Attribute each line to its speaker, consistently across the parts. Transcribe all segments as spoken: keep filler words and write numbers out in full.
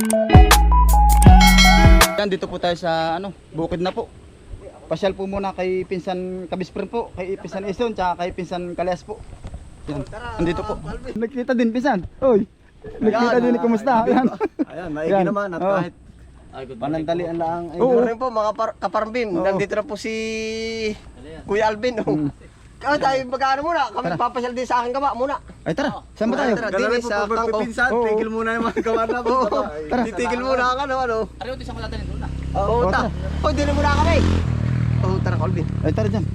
Speaker 1: Yan, dito po tayo sa ano, bukid na po. Pasyal po muna kay Pinsan Kabisprin po, kay Pinsan Ison, tsaka kay Pinsan Kalyas po. Yan, andito po. Nagkita din Pinsan. Oy, nagkita din, kumusta? Yan.
Speaker 2: Ayan, maigi naman at
Speaker 1: Oo.
Speaker 2: kahit panandalian lang. Ay,
Speaker 1: Oo.
Speaker 2: rin po mga par- kaparambim,
Speaker 1: Oo.
Speaker 2: nandito na po si Kuya Alvin. Oh.
Speaker 1: Mm.
Speaker 2: Kaya tayo magkano muna, kami
Speaker 1: Tara.
Speaker 2: papasyal din sa akin gaba muna.
Speaker 1: Ay tara, saan ba tayo?
Speaker 2: Tara, din sa Kangko.
Speaker 1: Oo.
Speaker 2: Tigil muna yung mga gawa na po.
Speaker 1: Tara.
Speaker 2: Titigil muna ang ano, ano.
Speaker 3: Ariyo, di sa maladanin doon na.
Speaker 2: Oo,
Speaker 1: Oo,
Speaker 2: ta.
Speaker 1: tara.
Speaker 2: Oh, di na muna kami. Oo, tara, Alvin.
Speaker 1: Ay tara dyan.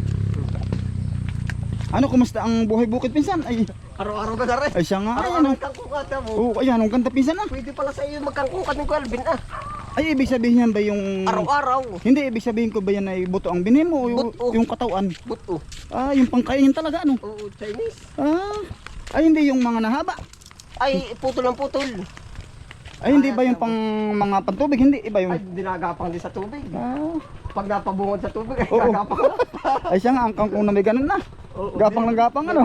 Speaker 1: Ano, kumusta ang buhay bukid Pinsan? Ay,
Speaker 2: Araw-araw ka na rin.
Speaker 1: ay siya nga. Ay,
Speaker 2: Araw-araw
Speaker 1: ano.
Speaker 2: kangkungkat mo.
Speaker 1: Oo, ayan, ang ganda Pinsan ah.
Speaker 2: Pwede pala sa iyo magkangkungkat ng Kuya Alvin ah.
Speaker 1: Ay, ibig sabihin yan ba yung...
Speaker 2: Araw-araw.
Speaker 1: Hindi, ibig sabihin ko ba yan ay buto ang binim mo o yung,
Speaker 2: Buto.
Speaker 1: yung katawan?
Speaker 2: Buto.
Speaker 1: Ah, yung pangkainin talaga ano?
Speaker 2: Oo, Chinese.
Speaker 1: Ah, ay hindi yung mga nahaba.
Speaker 2: Ay, putol ng putol.
Speaker 1: Ay hindi ba yung pang mga pantubig? Hindi, iba yung...
Speaker 2: Ay, dinagapang din sa tubig.
Speaker 1: Ah,
Speaker 2: Pag napabungod sa tubig, ay
Speaker 1: Oo.
Speaker 2: gagapang na.
Speaker 1: ay siya nga, ang kangkong na may ganun na.
Speaker 2: Oo,
Speaker 1: Gapang
Speaker 2: din.
Speaker 1: ng gapang ano?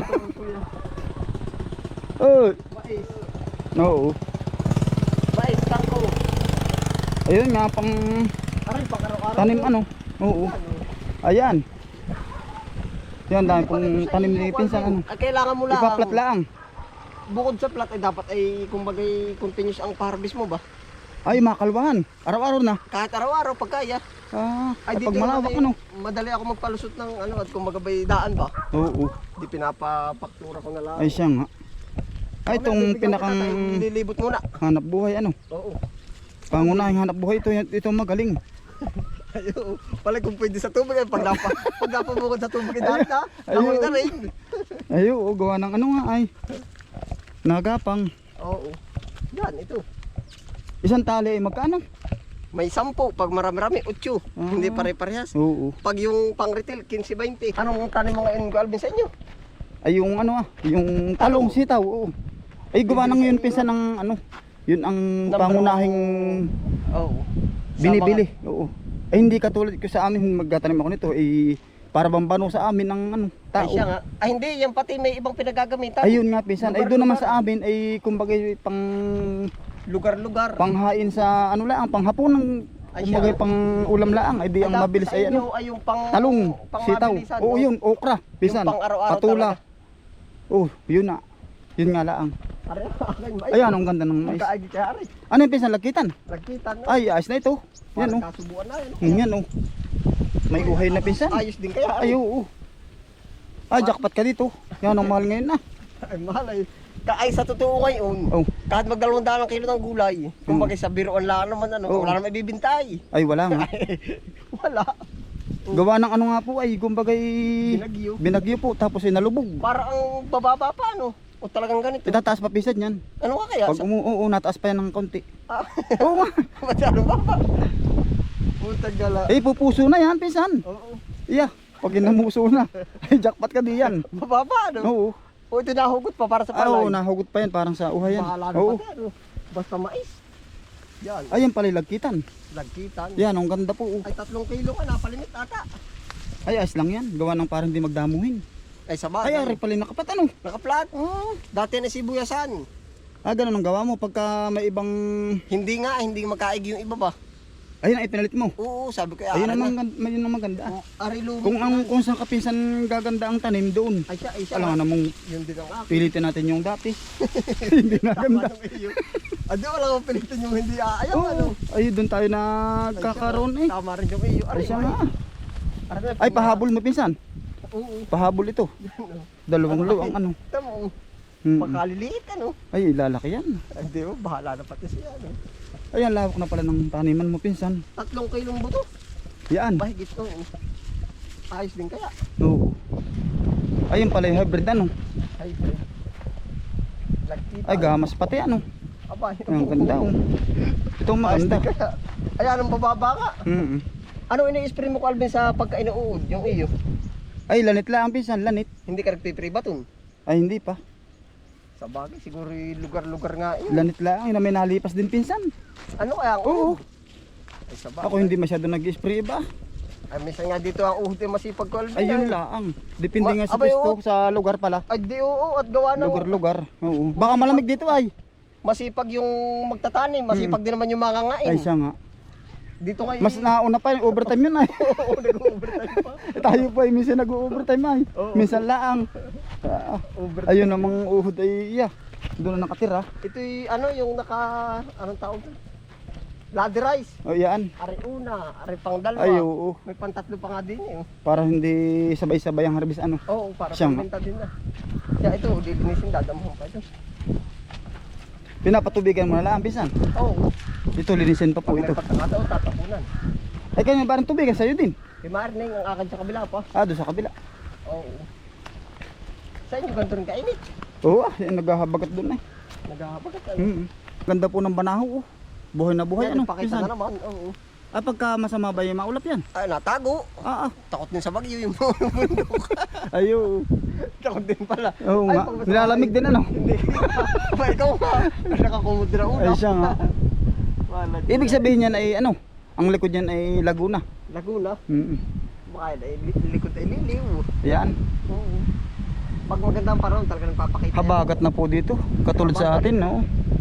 Speaker 1: Oh,
Speaker 2: Mais.
Speaker 1: no.
Speaker 2: Mais, kangko.
Speaker 1: Ayun nga, pang
Speaker 2: Aray, pag araw-araw.
Speaker 1: tanim ano. Oo. Ayan. Yan, dahil pong tanim ni Pinsan ano.
Speaker 2: Ay, kailangan mo lang.
Speaker 1: Ipaplat lang.
Speaker 2: Bukod sa plat, ay dapat ay kumbagay continuous ang harvest mo ba?
Speaker 1: Ay, makalwahan. Araw-araw na.
Speaker 2: Kahit araw-araw, pag kaya.
Speaker 1: Ah,
Speaker 2: Ay,
Speaker 1: kapag
Speaker 2: dito
Speaker 1: malawak
Speaker 2: naman,
Speaker 1: ano.
Speaker 2: eh, madali ako magpalusot ng ano, at kumbaga bay daan ba?
Speaker 1: Oo.
Speaker 2: Di pinapapaktura ko na lang.
Speaker 1: Ay siya nga. Ay, itong pinakang
Speaker 2: Nililibot muna.
Speaker 1: hanap buhay ano.
Speaker 2: Oo.
Speaker 1: Pangunahing hanap buhay ito, ito magaling.
Speaker 2: Ayo, pala kung pwede sa tubig ay pag napa, pag napabukod sa tubig ay dahil na, amoy na rin.
Speaker 1: Ay, oo, gawa ng ano nga ay. Nagapang.
Speaker 2: Oo. Yan, ito.
Speaker 1: Isang tali ay magkano?
Speaker 2: May sampo, pag marami-rami, utyo.
Speaker 1: Ah.
Speaker 2: Hindi pare-parehas.
Speaker 1: Oo.
Speaker 2: Pag yung pang retail, fifteen twenty. Anong tanim mo ngayon, Alvin, sa inyo?
Speaker 1: Ay, yung ano ah, yung talong sitaw, oo. Ay, gawa ng yun pinsan ng ano. Yun ang
Speaker 2: Number
Speaker 1: pangunahing
Speaker 2: Oo.
Speaker 1: binibili. Oo. Ay, hindi katulad ko sa amin magtatanim ako nito ay para bambano sa amin ng ano,
Speaker 2: Ay,
Speaker 1: tao.
Speaker 2: siya nga. Ay, hindi. Yan pati may ibang pinagagamitan.
Speaker 1: Ayun nga pinsan. Ay, doon naman
Speaker 2: Lugar-lugar.
Speaker 1: sa amin ay kumbaga pang
Speaker 2: Lugar-lugar.
Speaker 1: panghain sa ano lang, panghapon ng
Speaker 2: Ay,
Speaker 1: kumbaga
Speaker 2: siya.
Speaker 1: pang ulam lang ay di ang
Speaker 2: Ay,
Speaker 1: mabilis
Speaker 2: sa
Speaker 1: ay
Speaker 2: inyo
Speaker 1: ano.
Speaker 2: ay yung pang
Speaker 1: Talong,
Speaker 2: pang
Speaker 1: sitaw.
Speaker 2: mabilisan,
Speaker 1: Oo,
Speaker 2: no?
Speaker 1: yun, okra, pisan,
Speaker 2: pang araw-araw
Speaker 1: patula.
Speaker 2: talaga.
Speaker 1: Oh, yun na. Yun nga lang.
Speaker 2: Aray, aray, mais.
Speaker 1: Ayan, ang ganda ng mais.
Speaker 2: Magkaagi kaya aray.
Speaker 1: Ano yung pisan lakitan?
Speaker 2: Nagkita na.
Speaker 1: Ay, ayos na ito. Yan
Speaker 2: Parang
Speaker 1: oh.
Speaker 2: kasubuan na yun.
Speaker 1: Hmm, Yan oh. May uhay na pinsan.
Speaker 2: Ayos din kaya.
Speaker 1: Ay, oo. Ah, jackpot ka dito. Yan ang mahal ngayon na.
Speaker 2: Ay, mahal ay. Ka- Ay, sa totoo ngayon,
Speaker 1: Oh.
Speaker 2: kahit magdalawang daan ng kilo ng gulay, kung
Speaker 1: Hmm.
Speaker 2: bagay sa biroan lang naman, ano,
Speaker 1: Oo.
Speaker 2: wala naman ibibintay.
Speaker 1: Ay, wala nga.
Speaker 2: Wala.
Speaker 1: Gawa ng ano nga po ay kumbagay
Speaker 2: Binagyo.
Speaker 1: binagyo po tapos ay nalubog.
Speaker 2: Para ang bababa pa, ano? O talagang ganito.
Speaker 1: Itataas pa pisan yan.
Speaker 2: Ano ka kaya?
Speaker 1: Pag umu oo, nataas pa yan ng konti.
Speaker 2: Ah,
Speaker 1: Oo nga.
Speaker 2: masyado ba pa? Putang gala.
Speaker 1: Eh, pupuso na yan, pinsan.
Speaker 2: Oo.
Speaker 1: Iya, pag inamuso na. Ay, jackpot ka di yan.
Speaker 2: Bababa, ano?
Speaker 1: Oo.
Speaker 2: O ito nahugot pa para sa
Speaker 1: Ah, oo,
Speaker 2: palay.
Speaker 1: nahugot pa yan parang sa uhay yan.
Speaker 2: Bahala na
Speaker 1: Oo.
Speaker 2: pati, ano? Basta mais. Yan.
Speaker 1: Ayan pala yung lagkitan.
Speaker 2: Lagkitan.
Speaker 1: Yan, ang ganda po. oh.
Speaker 2: Ay, tatlong kilo ka, napalimit ata.
Speaker 1: Ay, ayos lang yan. Gawa ng parang di magdamuhin.
Speaker 2: Ay, sa
Speaker 1: Ay, ari pala yung nakapat ano.
Speaker 2: Nakaplat.
Speaker 1: Oh.
Speaker 2: Dati na sibuyasan.
Speaker 1: Ah, ganun ang gawa mo pagka may ibang...
Speaker 2: Hindi nga, hindi makaig yung iba ba?
Speaker 1: Ayun ang ipinalit mo.
Speaker 2: Oo, sabi ko,
Speaker 1: Ayun
Speaker 2: ari
Speaker 1: naman,
Speaker 2: na.
Speaker 1: gan- ayun naman ganda.
Speaker 2: Oh, ari lumi.
Speaker 1: Kung ang kung saan kapinsan gaganda ang tanim doon.
Speaker 2: Ay siya, ay siya.
Speaker 1: Alam nga namang
Speaker 2: Yun din ang akin.
Speaker 1: pilitin natin yung dati. Hindi na ganda.
Speaker 2: Tama ng iyo. Adi, wala akong pilitin yung hindi aayaw,
Speaker 1: Oo,
Speaker 2: ano.
Speaker 1: ay doon tayo
Speaker 2: Ay,
Speaker 1: nagkakaroon
Speaker 2: siya,
Speaker 1: eh.
Speaker 2: Tama rin yung iyo. Ari,
Speaker 1: Ay siya
Speaker 2: ay.
Speaker 1: nga.
Speaker 2: Ari, na,
Speaker 1: Ay, pahabol mo pinsan.
Speaker 2: Oo.
Speaker 1: Pahabol ito. Dalawang luwang ano.
Speaker 2: Tama,
Speaker 1: Hmm.
Speaker 2: pagkaliliit, ano.
Speaker 1: Ay, lalaki yan.
Speaker 2: Hindi mo, bahala na pati siya, ano.
Speaker 1: Ayan, lawak na pala ng taniman mo pinsan.
Speaker 2: Tatlong kilong buto.
Speaker 1: Yan.
Speaker 2: Bahigit, oo. Ayos din kaya.
Speaker 1: Oo. Ayun pala yung hybrid ano.
Speaker 2: Ay, bro. Lagkita.
Speaker 1: Ay, gamas pati ano.
Speaker 2: Aba,
Speaker 1: Ay, ang ganda oh. Ito ang
Speaker 2: Ayos
Speaker 1: maganda.
Speaker 2: din kaya. Ayan, ang bababa ka.
Speaker 1: Mm.
Speaker 2: Ano ini-spray mo, Calvin, sa pagka-inuud, yung iyo?
Speaker 1: Ay, lanit lang pinsan, lanit.
Speaker 2: Hindi ka nagpipray baton.
Speaker 1: Ay, hindi pa.
Speaker 2: Sa bagay, siguro yung lugar-lugar nga yun.
Speaker 1: Lanit lang, yun na may nalipas din pinsan.
Speaker 2: Ano kaya ang
Speaker 1: Oo.
Speaker 2: uhod? Ay, sa bagay.
Speaker 1: Ako hindi masyado nag-spray ba?
Speaker 2: Ay, minsan nga dito ang uhod yung masipag ko, Alvin.
Speaker 1: Ayun lang. Depende
Speaker 2: Ma-
Speaker 1: nga sa
Speaker 2: abay,
Speaker 1: pisto,
Speaker 2: oo.
Speaker 1: sa lugar pala.
Speaker 2: Ay, di oo, at gawa ng...
Speaker 1: Lugar-lugar. Oo. Baka malamig dito ay.
Speaker 2: masipag yung magtatanim, masipag din naman yung mangangain.
Speaker 1: Ay siya nga.
Speaker 2: Dito ngayon.
Speaker 1: Mas nauna pa yung overtime yun ay.
Speaker 2: Oo, nag-overtime pa.
Speaker 1: Tayo po ay minsan nag-overtime ay.
Speaker 2: Oo.
Speaker 1: Minsan laang. Ah,
Speaker 2: Overtime.
Speaker 1: ayun ang mga uhod ay iya. Doon na nakatira.
Speaker 2: Ito yung ano, yung naka, anong tawag doon? Ladder rice.
Speaker 1: O yan.
Speaker 2: Ari una, ari pang dalawa.
Speaker 1: Ay oo.
Speaker 2: May pantatlo pa nga din eh.
Speaker 1: Para hindi sabay-sabay ang harvest ano.
Speaker 2: Oo, para
Speaker 1: Siya nga.
Speaker 2: pambenta din na. Kaya ito, lilinisin, dadamhan pa ito.
Speaker 1: Pinapatubigan mo na lang pisan.
Speaker 2: Oo.
Speaker 1: Ito linisin pa po
Speaker 2: Pag may
Speaker 1: ito.
Speaker 2: pagkakataon, tatapunan.
Speaker 1: Ay kanya parang tubigan sa'yo din.
Speaker 2: Kay Marning, ang akin sa kabila pa.
Speaker 1: Ah, doon sa kabila.
Speaker 2: Oo. Sa inyo, ganito rin kainit.
Speaker 1: Oo ah, yan, naghahabagat doon ay.
Speaker 2: Naghahabagat. Ano?
Speaker 1: Mm. Ganda po ng banaho oh. Buhay na buhay
Speaker 2: Yan,
Speaker 1: ano.
Speaker 2: pakita
Speaker 1: Pisan.
Speaker 2: na naman. Oo.
Speaker 1: Ah, pagka masama ba yung maulap yan?
Speaker 2: Ay, natago.
Speaker 1: Ah, ah.
Speaker 2: Takot din sa bagyo yung bundok.
Speaker 1: Ayo.
Speaker 2: Takot din pala.
Speaker 1: Oo
Speaker 2: Ay,
Speaker 1: nga.
Speaker 2: pag masama-
Speaker 1: Nilalamig din ano.
Speaker 2: Hindi. Ba, ikaw nga. Nakakumod na una.
Speaker 1: Ay siya nga.
Speaker 2: Wala.
Speaker 1: Ibig sabihin yan ay ano? Ang likod yan ay Laguna.
Speaker 2: Laguna.
Speaker 1: Mm.
Speaker 2: Baka ay li- likod ay liliw.
Speaker 1: Yan.
Speaker 2: Oo. Pag maganda ang panahon, talaga nagpapakita. yan.
Speaker 1: Habagat na po dito. Katulad sa atin, no?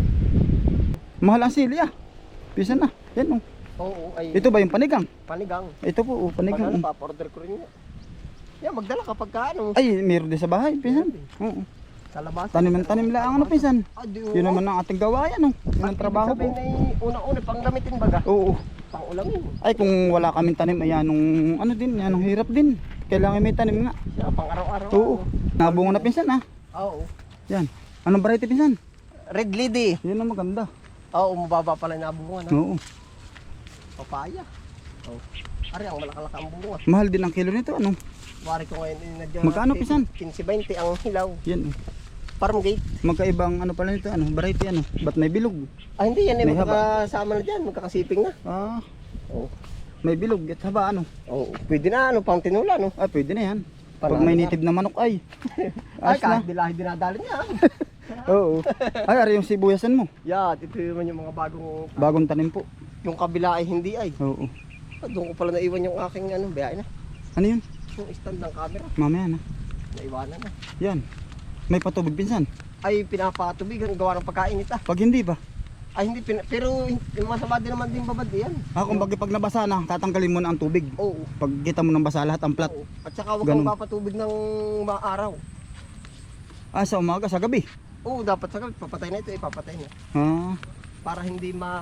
Speaker 1: Mahal ang sili ah. Pisa na. Yan oh.
Speaker 2: Oo, ay
Speaker 1: Ito ba yung panigang?
Speaker 2: panigang.
Speaker 1: Ito po, oh,
Speaker 2: Pag
Speaker 1: panigang.
Speaker 2: ano,
Speaker 1: oh.
Speaker 2: papa-order ko rin yan. Yan, magdala kapag ka ano.
Speaker 1: Ay, meron din sa bahay, pisan. Oo.
Speaker 2: Sa labas.
Speaker 1: Tanim tanim lang ano, pisan.
Speaker 2: Ah, di,
Speaker 1: Yun naman ang ating gawayan, oh. Yun ang trabaho po.
Speaker 2: Sabihin ay una-una, pang gamitin baga.
Speaker 1: Oo.
Speaker 2: Pang ulamin.
Speaker 1: Ay, kung wala kaming tanim, ayan, nung ano din, yan, ang hirap din. Kailangan may tanim nga.
Speaker 2: Siya, pang araw-araw.
Speaker 1: Oo. Nabunga na pinsan, ah.
Speaker 2: Oo.
Speaker 1: Yan. Anong variety pinsan?
Speaker 2: Red lady.
Speaker 1: Yan ang maganda.
Speaker 2: Oo, mababa pala yung nabungan. Ha?
Speaker 1: Oo.
Speaker 2: Papaya. Oo. Ari, ang malakalaka ang bunga.
Speaker 1: Mahal din ang kilo nito, ano?
Speaker 2: Wari ko ngayon, eh, nag
Speaker 1: Magkano, pisan?
Speaker 2: fifteen twenty ang hilaw.
Speaker 1: Yan, oh.
Speaker 2: Farm gate.
Speaker 1: Magkaibang ano pala nito, ano? Variety, ano? Ba't may bilog?
Speaker 2: Ah, hindi yan eh,
Speaker 1: May haba.
Speaker 2: magkakasama na dyan, magkakasiping na.
Speaker 1: Ah,
Speaker 2: Oo.
Speaker 1: may bilog at haba, ano?
Speaker 2: Oo, pwede na, ano, pang tinula, no?
Speaker 1: Ah, pwede na yan. Pag
Speaker 2: Panalo
Speaker 1: may
Speaker 2: na.
Speaker 1: native na manok, ay.
Speaker 2: Ay,
Speaker 1: Ayos na.
Speaker 2: kahit dilahi dinadali niya.
Speaker 1: Oo. Ay, ari yung sibuyasan mo.
Speaker 2: Yan, ito naman yung mga bagong,
Speaker 1: Bagong tanim po.
Speaker 2: yung kabila ay hindi ay.
Speaker 1: Oo.
Speaker 2: Ah, doon ko pala naiwan yung aking, ano, biyahe na.
Speaker 1: Ano yun?
Speaker 2: Yung stand ng camera,
Speaker 1: Mamaya na.
Speaker 2: naiwanan na.
Speaker 1: Yan. May patubig pinsan.
Speaker 2: Ay, pinapatubigan, gawa ng pagkainit ah.
Speaker 1: Pag hindi ba?
Speaker 2: Ay, hindi, pina, pero yung masama din naman din babad yan.
Speaker 1: Ah, kung bagay pag nabasa na, tatanggalin mo na ang tubig.
Speaker 2: Oo.
Speaker 1: Pag kita mo nang basa lahat ang plat.
Speaker 2: Oo. At saka huwag
Speaker 1: Ganun.
Speaker 2: kang papatubig ng mga araw.
Speaker 1: Ah, sa umaga, sa gabi.
Speaker 2: Oo, dapat sa gabi, papatay na ito, eh, papatay na.
Speaker 1: Ah,
Speaker 2: Para hindi ma...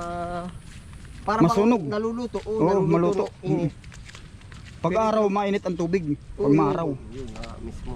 Speaker 2: Para
Speaker 1: Masunog.
Speaker 2: bang naluluto. Oo,
Speaker 1: Oo,
Speaker 2: naluluto.
Speaker 1: maluto.
Speaker 2: ng init.
Speaker 1: pag araw mainit ang tubig. Pag
Speaker 2: Oo,
Speaker 1: maaraw.
Speaker 2: Yun na mismo.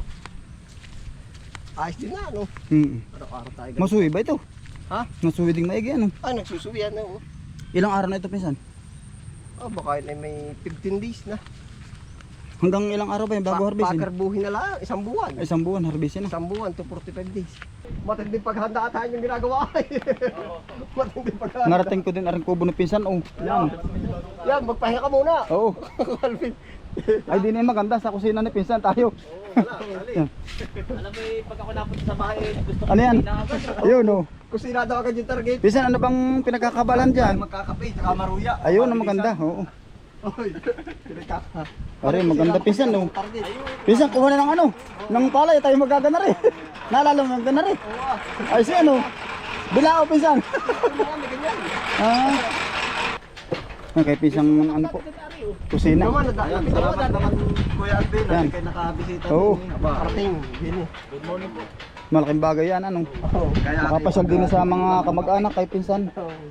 Speaker 2: Ayos din na, ano?
Speaker 1: Mm.
Speaker 2: Araw-araw tayo. ganun.
Speaker 1: Masuwi ba ito?
Speaker 2: Ha?
Speaker 1: Masuwi ding maigi ano?
Speaker 2: Ay, nagsusuwi yan, oo.
Speaker 1: Ilang araw na ito pinsan?
Speaker 2: Oh, baka yun ay may fifteen days na.
Speaker 1: Hanggang ilang araw ba yung bago
Speaker 2: Pa-
Speaker 1: harvestin?
Speaker 2: Pakarbuhin na lang, isang buwan.
Speaker 1: Ay, isang buwan harvestin na.
Speaker 2: Isang buwan to forty-five days. Matinding paghanda tayo yung ginagawa ay. Matinding paghanda.
Speaker 1: Narating ko din aring kubo ng pinsan. Oh, yan.
Speaker 2: Yan, magpahinga ka muna.
Speaker 1: Oo.
Speaker 2: Alvin.
Speaker 1: Ay, di na yung maganda sa kusina ni pinsan tayo. Yan.
Speaker 3: Alam mo eh, pag ako napunta sa bahay, gusto ko
Speaker 1: Ano yan?
Speaker 3: na agad.
Speaker 1: Ayun oh.
Speaker 2: Kusina daw agad yung target.
Speaker 1: Pinsan, ano bang pinagkakabalan dyan?
Speaker 2: Magkakape, tsaka maruya.
Speaker 1: Ayun, ang maganda. Oo.
Speaker 2: Oy, pinagkaka.
Speaker 1: Pare, maganda pinsan oh.
Speaker 2: Target.
Speaker 1: Pinsan, kuha na ng ano? Ng palay, tayo magagana rin. Naalala mo, magagana rin. Ay, si ano? Bilao, pinsan.
Speaker 2: Marami ganyan.
Speaker 1: Ah. Okay, pisang ano po. Kusina.
Speaker 2: Naman, nadaan.
Speaker 3: Salamat naman,
Speaker 2: Kuya Alvin.
Speaker 1: Yan.
Speaker 2: Kayo nakabisita.
Speaker 1: Oo.
Speaker 2: Parating. Bini.
Speaker 3: Good morning po.
Speaker 1: Malaking bagay yan, ano. Nakapasyal din sa mga kamag-anak kay pinsan.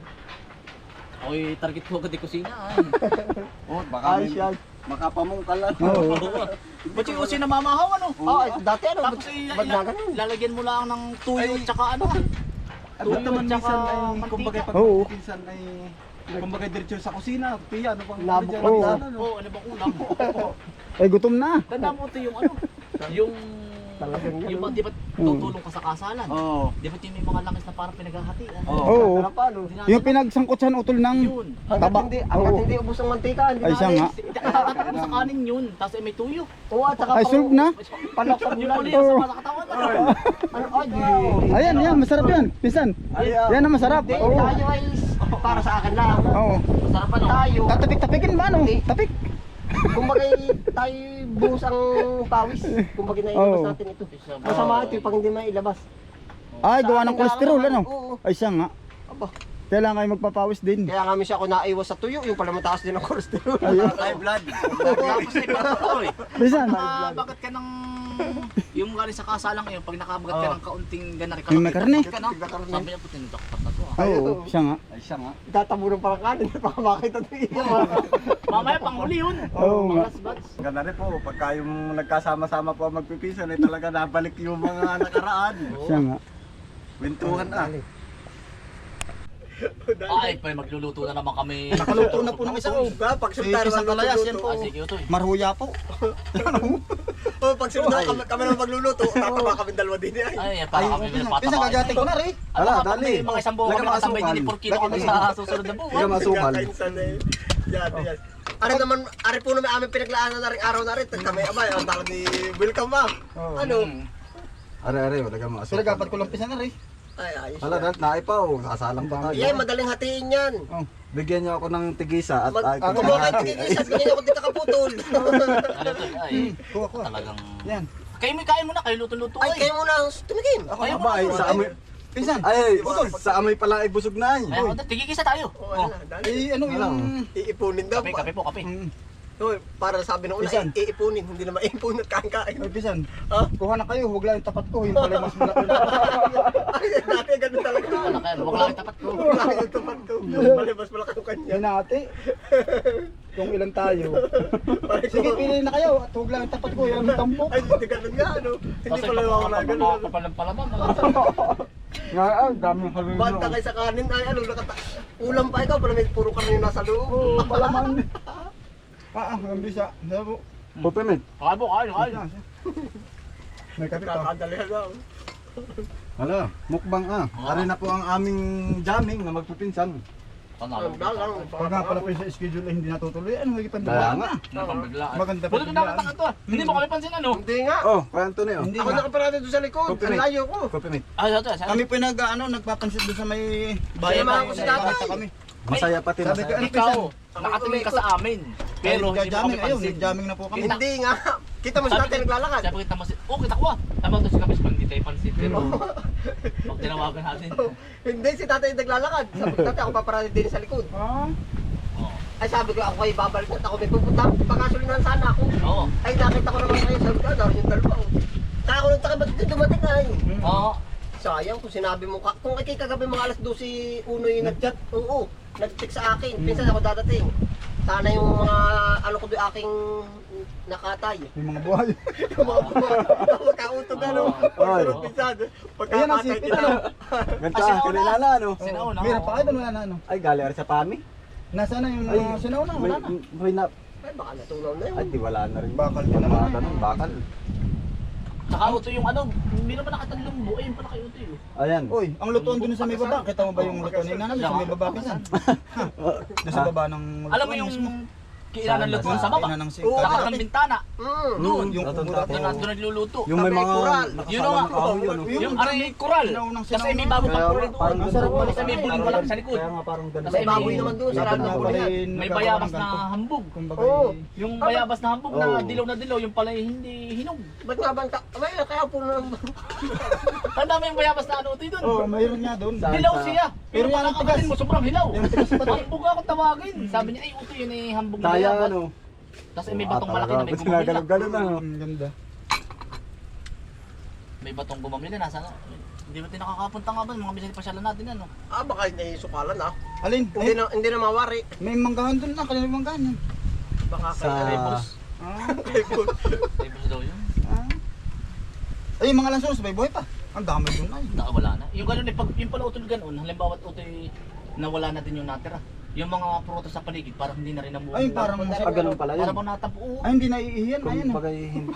Speaker 3: Ako'y target ko agad yung kusina. Ay.
Speaker 2: Oh, baka ay siya. Makapamungkal lang.
Speaker 1: Oo.
Speaker 3: Ba't yung kusina mamahaw ano?
Speaker 2: Oh, dati ano?
Speaker 3: Tapos eh,
Speaker 2: Ba't na
Speaker 3: ila-
Speaker 2: ganun?
Speaker 3: lalagyan mo lang ng tuyo at saka ano.
Speaker 4: At naman
Speaker 3: tsaka
Speaker 4: minsan ay
Speaker 3: mantika.
Speaker 4: kumbaga pag
Speaker 1: Oo.
Speaker 4: minsan ay kumbaga diretso sa kusina, piya ano bang
Speaker 2: Nabuklat
Speaker 4: dyan,
Speaker 1: na.
Speaker 4: ano,
Speaker 3: Oo, ano bang ulam?
Speaker 1: Ay, gutom na.
Speaker 3: Tanda mo ito yung ano, yung...
Speaker 2: Talagang yun.
Speaker 3: Yung ba, di ba tutulong ka sa kasalan?
Speaker 4: Oo.
Speaker 3: Di ba yung may mga langis na parang pinaghahatian?
Speaker 4: Oo.
Speaker 1: Oo.
Speaker 2: Ano pa, no?
Speaker 1: Yung pinagsangkotsan utol ng
Speaker 3: Yun.
Speaker 2: Hanggat
Speaker 1: taba.
Speaker 2: hindi, hanggat
Speaker 1: Oo.
Speaker 2: hindi ubos ang mantika, hindi
Speaker 1: Ay, siya
Speaker 2: naalis.
Speaker 1: nga.
Speaker 3: Tatatapos mo sa kanin yun, tapos ay may tuyo.
Speaker 2: Oo, at saka
Speaker 1: Ay,
Speaker 2: pang-
Speaker 1: solve na.
Speaker 2: Panok sa
Speaker 3: Yung
Speaker 2: bulan.
Speaker 3: uli sa mga katawan.
Speaker 2: Ano, ay, di.
Speaker 1: Ayan, yan, masarap yan. Pinsan. Yan ang masarap.
Speaker 2: Hindi,
Speaker 1: Oo.
Speaker 2: tayo ay para sa akin lang.
Speaker 1: Oo.
Speaker 3: Masarap ano?
Speaker 2: Tayo,
Speaker 1: Tatapik-tapikin ba, no? Tapik.
Speaker 2: kumbaga tayo buhos ang pawis. Kumbaga na
Speaker 1: Oo.
Speaker 2: ilabas natin ito. Masama ito pag hindi may ilabas.
Speaker 1: Ay, gawa ng kolesterol, ano?
Speaker 2: Oo.
Speaker 1: Ay, siya nga.
Speaker 2: Aba.
Speaker 1: Kailangan kayo magpapawis din.
Speaker 2: Kaya nga minsan ako naiwas sa tuyo, yung pala mataas din ang cholesterol.
Speaker 1: Ayun.
Speaker 3: High blood. Tapos ay pagkakao eh.
Speaker 1: Bisan.
Speaker 3: Nakabagat ka ng... Yung galing sa kasalang yun, pag nakabagat ka ng kaunting ganari ka.
Speaker 1: Yung may karne.
Speaker 3: ka na. Sabi niya po, tinutokpat na to ah.
Speaker 1: Oo, siya nga.
Speaker 4: Ay siya nga.
Speaker 2: Itatabunan parang kanin, baka makita ng iyo.
Speaker 3: Mamaya panghuli yun.
Speaker 1: Oo nga.
Speaker 3: Last batch.
Speaker 4: Ganda rin po, pagka yung nagkasama-sama po ang magpipisan, ay talaga nabalik yung mga nakaraan.
Speaker 1: Siya nga.
Speaker 4: Wintuhan ah.
Speaker 3: Ay, pa magluluto na naman kami.
Speaker 1: Nakaluto na po ng isa. oh.
Speaker 2: Pag
Speaker 1: Si isang kalayas, yan po.
Speaker 3: Ah, sige, ito eh.
Speaker 1: Marhuya po.
Speaker 2: Oh, pag sinunod kami, kami naman magluluto, tataba kami dalawa din ay.
Speaker 3: Ay, para kami
Speaker 1: Pisang
Speaker 3: pinapatawa.
Speaker 1: kagating ko na rin.
Speaker 3: Ano
Speaker 4: Ala,
Speaker 3: ka,
Speaker 4: dali.
Speaker 3: may mga isang buwan kami
Speaker 4: Lagyan
Speaker 3: nakatambay din ni
Speaker 4: masukal.
Speaker 3: four kilo kami
Speaker 4: Lagyan
Speaker 3: sa susunod na buwan.
Speaker 4: Lagyan masukal.
Speaker 2: Kakainsan eh. Yan, yan. Ari naman, ari po naman aming pinaglaanan na rin araw na rin. Kami abay, ang tawag ni Welcome Ma'am. Ano?
Speaker 4: Are-are, wala mo
Speaker 1: Pero dapat ko lang pisan na rin.
Speaker 2: Ay, ayos.
Speaker 4: Hala, dahil naipaw, sasalang pa tayo.
Speaker 2: Yan, madaling hatiin yan.
Speaker 4: Bigyan niyo ako ng tigisa at
Speaker 2: Mag,
Speaker 4: ay,
Speaker 2: kumuha kayo tigigisa, bigyan niyo ako dito kaputol.
Speaker 3: Ano to, ay,
Speaker 1: Kuha ko.
Speaker 3: talagang...
Speaker 1: Yan.
Speaker 3: Kayo may kain mo na, kayo luto-luto
Speaker 2: Ay,
Speaker 3: eh.
Speaker 2: kayo muna tumigim.
Speaker 1: Ako
Speaker 3: Kayo
Speaker 1: na
Speaker 3: ba?
Speaker 4: ay, sa amoy,
Speaker 1: Pisan.
Speaker 4: ay, sa amoy pala ay busog na ay.
Speaker 3: Ay, ako, tigigisa tayo.
Speaker 2: Oh,
Speaker 3: Oh.
Speaker 2: ano, dali.
Speaker 1: Eh, ano yung...
Speaker 2: Iipunin daw.
Speaker 3: Kape, kape po, kape.
Speaker 1: Mm.
Speaker 2: Oh, para sabi nung una,
Speaker 1: Pisan.
Speaker 2: i- iipunin, hindi na maipun at kain-kain.
Speaker 1: Ay, pisan.
Speaker 2: Ha?
Speaker 1: Kuha na kayo, huwag lang yung tapat ko. Yung pala mas malaki.
Speaker 2: Ay, dati ganun talaga.
Speaker 3: Wala kayo, huwag lang yung tapat ko.
Speaker 2: Wala yung tuman ko. Malibas malaki yung kanya.
Speaker 1: Yan ate. Kung ilan tayo. Sige, pili na kayo. At huwag lang yung tapat ko. Yan ang tampok.
Speaker 2: Ay, hindi ganun nga, ano. Hindi
Speaker 3: Kasi
Speaker 2: pala wala ganun.
Speaker 3: papalang-palaman.
Speaker 1: Nga, ah, daming kaluluwa.
Speaker 2: Banta kayo sa kanin, ay ano, nakata... Ulam pa ikaw, pala may puro karne nasa loob.
Speaker 1: Oo, palaman. Ah, ah, ang bisa. Sabo.
Speaker 4: Pupimit.
Speaker 3: Kaya po, kain, kain.
Speaker 1: May kape pa.
Speaker 2: Kakadalihan na.
Speaker 4: Hala, mukbang ah. Ari na po ang aming jamming na magpipinsan.
Speaker 3: Panalo.
Speaker 2: Ang dalang.
Speaker 1: Pag nga pala pa yung sa schedule ay hindi natutuloy, ano, hindi pa
Speaker 4: Kaya nga.
Speaker 3: Napambiglaan.
Speaker 1: Maganda pa
Speaker 3: Buti ko
Speaker 1: biglaan.
Speaker 3: nakataka to ah. Hindi mo kami pansin ano.
Speaker 2: Hindi nga.
Speaker 4: Oh, kaya Antonio.
Speaker 1: Hindi
Speaker 2: Ako
Speaker 1: nga.
Speaker 2: nakaparada doon sa likod. Ang
Speaker 4: Pupimit.
Speaker 2: layo ko.
Speaker 4: Pupimit.
Speaker 3: Ah, ito, ito.
Speaker 1: Kami po yung nag, ano, nagpapansit doon sa may
Speaker 2: Bayan
Speaker 1: bayan
Speaker 2: ko si tatay.
Speaker 1: Basta kami.
Speaker 4: Masaya pati,
Speaker 1: Sabi ko,
Speaker 4: masaya.
Speaker 1: ano,
Speaker 3: Ikaw, nakatingin ka sa amin. Pero hindi mo kami
Speaker 1: jamming, ayun,
Speaker 3: pansin.
Speaker 1: jamming na po kami.
Speaker 2: Hindi nga. Kita mo si tatay naglalakad.
Speaker 3: Sabi ko, kita mo si... Oh, kita ko ah. Tama to si Kapis pag hindi tayo pansin. Pero, pag tinawagan natin.
Speaker 2: Hindi, si tatay naglalakad. Sabi ko, tatay, ako paparada din sa likod.
Speaker 1: Ah,
Speaker 2: Ay sabi ko, ako kayo babalik at ako may pupunta. Pagkasulinan sana ako.
Speaker 3: Oo.
Speaker 2: Ay nakita ko naman kayo. Sabi ko, ah, daron yung dalawa. oh. Kaya ako nagtaka ba't ito dumating ay.
Speaker 3: Oo.
Speaker 2: Sayang kung sinabi mo, ka- kung ay kagabi mga alas dose uno yung nag-chat, oo, nag-text sa akin, pinsan ako dadating. Sana yung mga, ano ko doon aking nakatay.
Speaker 1: yung mga buhay.
Speaker 2: Yung mga buwan, magkautog ano, pagsunod pinsan,
Speaker 1: Ayan ang
Speaker 2: pagkakatay
Speaker 1: sipit,
Speaker 2: kita.
Speaker 1: ano?
Speaker 4: Ganito
Speaker 3: Ah,
Speaker 4: ah,
Speaker 3: sinauna.
Speaker 4: kinilala ano.
Speaker 3: Sinauna.
Speaker 1: Meron pa kayo doon, wala na, ano?
Speaker 4: Ay, gali ari sa pami.
Speaker 1: Nasa na yung
Speaker 4: Ay,
Speaker 1: mga sinauna,
Speaker 4: May,
Speaker 1: wala na.
Speaker 4: may na,
Speaker 2: Ay baka natunaw na yun.
Speaker 4: ay di wala na rin.
Speaker 1: Bakal din naman.
Speaker 4: Bakal, ano, bakal.
Speaker 3: Saka uto yung ano, meron pa nakatang lumbo. Ayun pala kayo uto yun.
Speaker 4: Ayan.
Speaker 1: Uy, ang lutuan doon sa may baba. Kita mo ba yung lutuan na namin sa may baba pisan? Doon sa baba ng
Speaker 3: Alam mo yung kailangan lutuan sa baba.
Speaker 1: Kainan ng
Speaker 2: Oo,
Speaker 3: Tapat
Speaker 1: singka.
Speaker 3: ng bintana.
Speaker 2: Mm.
Speaker 3: Doon.
Speaker 1: Yung
Speaker 4: Tatanda
Speaker 1: kumura.
Speaker 4: ko.
Speaker 3: Doon na doon nagluluto.
Speaker 4: Yung may
Speaker 2: Tabi,
Speaker 4: mga
Speaker 2: kural.
Speaker 3: Yun
Speaker 4: nakasalang
Speaker 3: nga.
Speaker 4: kahoy yun. oh.
Speaker 3: Yung aray kural.
Speaker 1: Sinaunang
Speaker 3: Kasi may
Speaker 1: sinauna.
Speaker 3: bago
Speaker 4: Kaya
Speaker 3: pang kural
Speaker 4: nga, parang
Speaker 3: doon.
Speaker 1: Ang sarap pala
Speaker 3: Kasi may
Speaker 1: sa
Speaker 3: bulong
Speaker 1: amin.
Speaker 3: malaki sa likod.
Speaker 4: Kaya nga parang ganun.
Speaker 3: Kasi
Speaker 2: May baboy naman doon, sarado
Speaker 1: Laban
Speaker 2: na
Speaker 1: na
Speaker 2: ako
Speaker 1: pala
Speaker 2: yan.
Speaker 1: yung
Speaker 3: May
Speaker 1: nagkakaroon
Speaker 3: bayabas
Speaker 1: ng
Speaker 3: na
Speaker 1: ganito.
Speaker 3: hambog.
Speaker 1: Kumbaga,
Speaker 2: Oo.
Speaker 1: eh,
Speaker 3: Yung bayabas na hambog na
Speaker 4: Oo.
Speaker 3: dilaw na dilaw, yung pala hindi hinog.
Speaker 2: Ba't nga bang, ta- abay, kaya po na,
Speaker 3: Tanda mo yung bayabas na ano utoy doon.
Speaker 1: Oo, mayroon nga doon.
Speaker 4: Saan?
Speaker 3: Hilaw siya.
Speaker 1: Pero
Speaker 3: Pero
Speaker 1: yan
Speaker 3: parang
Speaker 1: ang tigas.
Speaker 3: kapatid mo, sobrang hilaw.
Speaker 1: Yung tigas pa tayo.
Speaker 3: Hambog ako tawagin. Sabi niya, ay utoy yun eh, hambog na
Speaker 4: Kaya
Speaker 3: bayabas.
Speaker 4: ano.
Speaker 3: Tapos eh, may batong malaki na may
Speaker 4: Ba't
Speaker 3: gumamila.
Speaker 4: ginagalog-galog na ano.
Speaker 1: Ang ganda.
Speaker 3: May batong gumamila, nasa na. Hindi ba tayo nakakapunta nga ba? Mga bisaya pasyalan natin ano.
Speaker 2: ah baka hindi sukalan ah.
Speaker 1: Alin?
Speaker 2: Hindi
Speaker 1: Ay,
Speaker 2: na, hindi na mawari.
Speaker 1: may manggahan doon na. Kanina manggahan yan.
Speaker 2: Baka
Speaker 4: Sa...
Speaker 2: kay Rebus.
Speaker 1: Ah,
Speaker 2: Rebus.
Speaker 3: Tapos daw yun.
Speaker 1: ah. Ay, yung mga lansones, may buhay pa. Ang dami doon ay.
Speaker 3: Na, wala na. Yung ganun, eh, pag, yung pala utol ganun, halimbawa utoy nawala na din yung natira. Yung mga prutas sa paligid, parang hindi na rin namuha.
Speaker 1: Ay, parang
Speaker 4: Ah, ganun pala yun.
Speaker 3: Para bang natapo.
Speaker 1: Ay, hindi naiihiyan. Ayun.
Speaker 4: Kung
Speaker 1: ah.
Speaker 4: bagay hindi.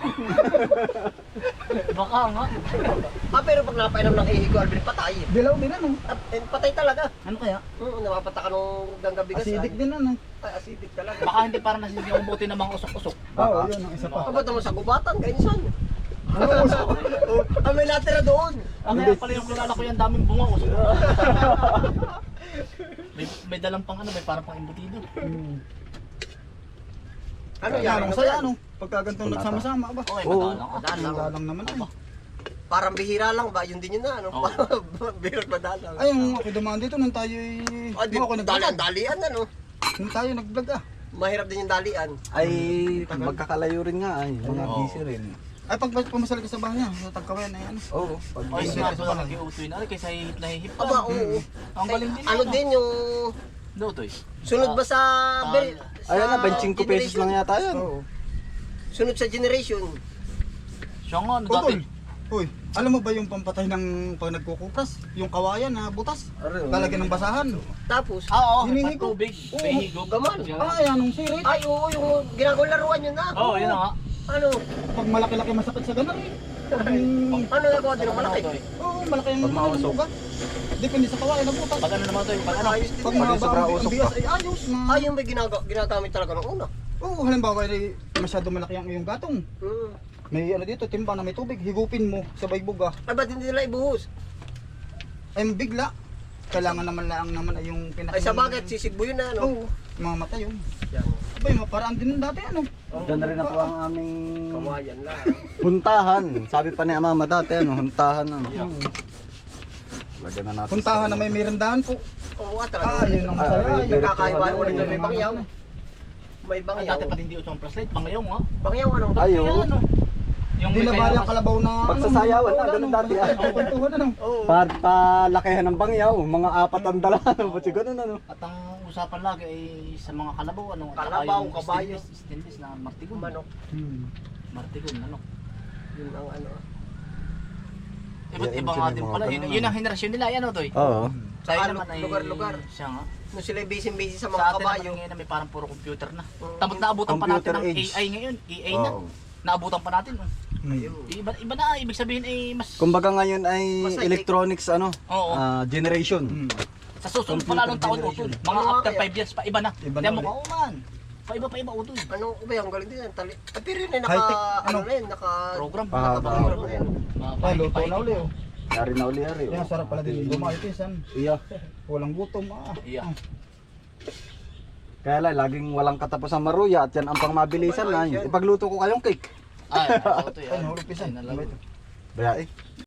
Speaker 3: Baka nga.
Speaker 2: Ah, pero pag napainom ng ihi ko, Alvin, patay.
Speaker 1: Dilaw din ano.
Speaker 2: Ah, eh, patay talaga.
Speaker 1: Ano kaya?
Speaker 2: Hmm, napapata ka nung ganggabigas.
Speaker 1: Acidic din ano.
Speaker 2: Ay, acidic talaga.
Speaker 3: Baka hindi parang nasin yung buti ng mga usok-usok.
Speaker 1: Oo, yun ang isa pa.
Speaker 2: Kapag naman sa gubatan, kainsan. Oh, ah, may natira doon.
Speaker 3: Ang kaya pala yung kilala ko yan, daming bunga usok. may, may dalang pang ano, may parang pang embutido.
Speaker 1: Hmm.
Speaker 2: Ano
Speaker 1: Ano
Speaker 2: yan?
Speaker 1: yan? Ang saya ano. Pagka ganitong nagsama-sama ba?
Speaker 3: Okay,
Speaker 4: Oo.
Speaker 3: madalang.
Speaker 2: Madalang.
Speaker 1: Ang dalang naman ay.
Speaker 2: Parang bihira lang ba? Yun din yun na, ano?
Speaker 3: Oo.
Speaker 2: Bihirot madalang.
Speaker 1: Ay, yung ako dumaan dito nung tayo
Speaker 2: Ah, di,
Speaker 1: ako
Speaker 2: dali,
Speaker 1: nag-vlog.
Speaker 2: dalian, ano?
Speaker 1: Nung tayo nag-vlog ah.
Speaker 2: Mahirap din yung dalian.
Speaker 4: Ay, magkakalayo rin nga ay. Mga
Speaker 3: Oo.
Speaker 4: busy rin.
Speaker 1: Ay, pag pumasal ka sa bahay niya, sa Tagkawayan ay ano.
Speaker 4: Oo. Pag
Speaker 3: Ay,
Speaker 1: Ay,
Speaker 3: nga
Speaker 1: sa
Speaker 3: pala
Speaker 1: bahay.
Speaker 3: nag-iutoy na rin kaysa hihip na hihip
Speaker 2: Aba,
Speaker 3: lang.
Speaker 2: oo.
Speaker 3: Ang galing din
Speaker 2: Ano
Speaker 3: yan,
Speaker 2: din yung...
Speaker 3: No, Toy.
Speaker 2: Sunod ba sa...
Speaker 3: Ah,
Speaker 2: ber- sa
Speaker 4: Ayun na, twenty-five pesos
Speaker 2: generation?
Speaker 4: lang yata yan.
Speaker 1: Oo.
Speaker 2: Sunod sa generation.
Speaker 3: Siya nga, ano
Speaker 1: Utol.
Speaker 3: dati?
Speaker 1: Uy, alam mo ba yung pampatay ng pag nagkukupras? Yung kawayan na butas?
Speaker 4: Are, oo.
Speaker 1: Talagyan ng basahan.
Speaker 2: Tapos...
Speaker 3: Ah, oo,
Speaker 1: Hinihigo.
Speaker 3: patubig.
Speaker 2: Oo,
Speaker 3: Behigo.
Speaker 2: gaman.
Speaker 1: Ay, anong sirit?
Speaker 2: Ay, oo, yung ginagawang laruan yun na.
Speaker 3: Oo, yun na nga.
Speaker 2: Ano?
Speaker 1: Pag malaki-laki masakit sa ganun eh. Pag,
Speaker 2: Ano nagawa din ng malaki?
Speaker 3: Toy.
Speaker 1: oo, malaki ang
Speaker 4: Pag mausok.
Speaker 1: ugat. Depende sa kawayan na butas.
Speaker 3: Pag ano naman Toy, pag ano?
Speaker 2: Ayos din
Speaker 1: Pag
Speaker 2: yan.
Speaker 1: mahaba
Speaker 4: sobra
Speaker 1: ang
Speaker 4: usok
Speaker 1: bigas
Speaker 4: pa.
Speaker 1: ay ayos na.
Speaker 2: Ay, yung may ginaga- ginagamit talaga ng una.
Speaker 1: Oo, halimbawa ay masyado malaki ang iyong gatong.
Speaker 2: Hmm.
Speaker 1: May ano dito, timbang na may tubig, higupin mo sa baybuga.
Speaker 2: Ay, ba't hindi nila ibuhos?
Speaker 1: Ay bigla. Kailangan naman lang naman ay yung pinaka...
Speaker 2: Ay, sa bagay, sisigbo yun na, ano?
Speaker 1: Oo, mamatay yun.
Speaker 2: Yan.
Speaker 1: Abay, maparaan din dati ano.
Speaker 4: Diyan na rin na po ang aming
Speaker 2: Kawayan lang.
Speaker 4: huntahan. Sabi pa ni Mama dati, ano, huntahan. Ano. Lagyan na natin.
Speaker 1: Puntahan na may merendahan po.
Speaker 2: Oo, nga
Speaker 1: Ah,
Speaker 2: talaga.
Speaker 1: yun ang
Speaker 4: Ah,
Speaker 1: masaya.
Speaker 4: yun.
Speaker 1: Yun.
Speaker 2: Nakakaiwan mo rin doon, may bangyaw. May
Speaker 3: Ang
Speaker 2: bangyaw.
Speaker 3: dati pa hindi uso ang flashlight, pangayaw nga.
Speaker 2: Bangyaw, ano?
Speaker 4: Ay,
Speaker 3: Kaya
Speaker 4: oo.
Speaker 3: ano? Yung
Speaker 1: Hindi
Speaker 3: may
Speaker 1: na bali
Speaker 3: kaya
Speaker 1: ang kalabaw na...
Speaker 4: Pagsasayawan na,
Speaker 1: ano,
Speaker 4: ganun dati, ah.
Speaker 1: Ang kwentuhan ano.
Speaker 2: Oo.
Speaker 4: Para palakihan ng bangyaw, mga apat ang dala. Ano ba siguro ano?
Speaker 3: At ang usapan lagi ay sa mga kalabaw, ano? at saka
Speaker 2: Kalabaw,
Speaker 3: yung
Speaker 2: kabayo.
Speaker 3: stainless, stainless na martigon.
Speaker 2: Manok.
Speaker 1: Hmm.
Speaker 3: Martigon, ano?
Speaker 2: Yun ang ano.
Speaker 3: Iba't
Speaker 4: Yan,
Speaker 3: iba
Speaker 4: yun
Speaker 3: nga
Speaker 4: yung
Speaker 3: din
Speaker 4: mga
Speaker 3: pala. Yun,
Speaker 4: ganun,
Speaker 3: yun ang
Speaker 4: ano.
Speaker 3: henerasyon nila, yan o, Toy.
Speaker 4: Oo.
Speaker 3: Sa
Speaker 2: Saka
Speaker 3: akin naman ay...
Speaker 2: lugar-lugar.
Speaker 3: Siya nga.
Speaker 2: Nung sila busy-busy sa
Speaker 3: Sa
Speaker 2: mga
Speaker 3: atin naman
Speaker 2: kabayo.
Speaker 3: ngayon na may parang puro computer na.
Speaker 2: Oo.
Speaker 3: Tapos naabutan pa natin
Speaker 4: Computer
Speaker 3: ng
Speaker 4: age.
Speaker 3: A I ngayon. A I na.
Speaker 4: Oo.
Speaker 3: Naabutan pa natin. oh.
Speaker 1: Hmm.
Speaker 3: Iba, iba na, ibig sabihin ay mas...
Speaker 4: Kumbaga ngayon ay
Speaker 2: Basta
Speaker 4: electronics ano,
Speaker 3: Oo.
Speaker 4: ah, generation.
Speaker 1: Hmm.
Speaker 3: Sa susunod pa
Speaker 4: computer
Speaker 3: lalong taon,
Speaker 4: generation.
Speaker 3: utol. Mga
Speaker 2: Ano
Speaker 3: after
Speaker 2: kaya?
Speaker 3: five years pa, iba na.
Speaker 1: Iba na
Speaker 3: Kaya mo
Speaker 1: ulit.
Speaker 3: ka, oh man. Pa iba pa iba, utol.
Speaker 2: Ano ba yung galing din? Tali. Ah, pero yun eh, naka...
Speaker 1: High-tech,
Speaker 2: Ano
Speaker 1: ano?
Speaker 2: na yun, naka...
Speaker 3: Program.
Speaker 4: Ah,
Speaker 2: naka-program na yun.
Speaker 1: Ay, luto na uli oh.
Speaker 4: Yari na uli yari.
Speaker 1: Yan, sarap pala din. Lumayo pinsan.
Speaker 4: Iya.
Speaker 1: Walang gutom ah.
Speaker 3: Iya.
Speaker 4: Kaya lang, laging walang katapos ang maruya at yan ang pangmabilisan na. Ipagluto ko kayong cake.
Speaker 3: Ay, ako to
Speaker 1: Ay,
Speaker 3: yan.
Speaker 1: nahulog pinsan.
Speaker 3: Ay, nalaro.
Speaker 4: Baya eh.